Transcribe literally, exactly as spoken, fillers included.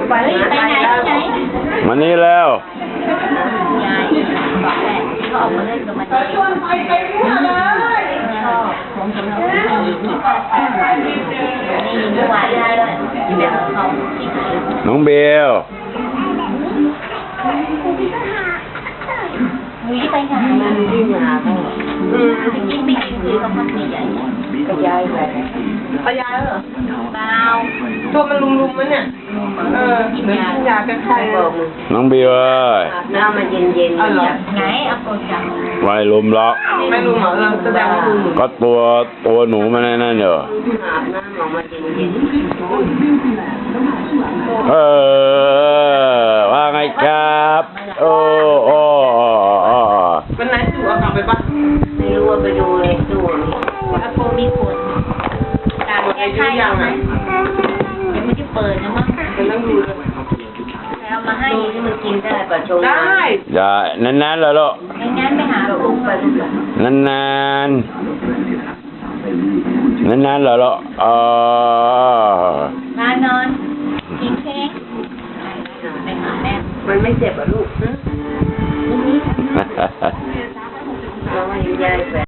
ไปไหนไปไหนมานี่แล้วยายบอกแหละเขาออกมาเล่นกับมันชวนไปไปทั่วเลยชอบผมสำหรับนี่เมื่อวานได้เลยเดี๋ยวเขาที่ไหนน้องเบลมีไปไหนมันที่หาเขาอืมกินไม่กินคือเขาพักใหญ่กระยายไปกระยายเหรอเปล่าตัวมันลุมๆมั้ยเนี่ยเออกินยายากันไข้บอกมึงน้องเบลเอ้ยน้ำมันเย็นๆเอาเหรอไหนเอาโกจังไว้ลุมล็อกไม่ลุมเหรอเราแสดงว่าลุมก็ตัวตัวหนูมันนั่นเนอะอาบน้ำออกมาเย็นๆเออว่าไงครับโอ้โอ้โอ้วันไหนสู่เอากลับไปปะไม่รู้ว่าไปดูเลยดูว่าโคมีคนการแก้ไขยังไงยังไม่ได้เปิดนะมั้งมันต้องดูเลยแล้วมาให้ที่มันกินได้ป่ะชงได้อย่านานๆแล้วลูกไม่งั้นไปหาลูกไปลูกนานๆนานๆแล้วลูกเออมานอนกินเค้กไปหาแม่มันไม่เจ็บอ่ะลูกนี่เราให้ยายไป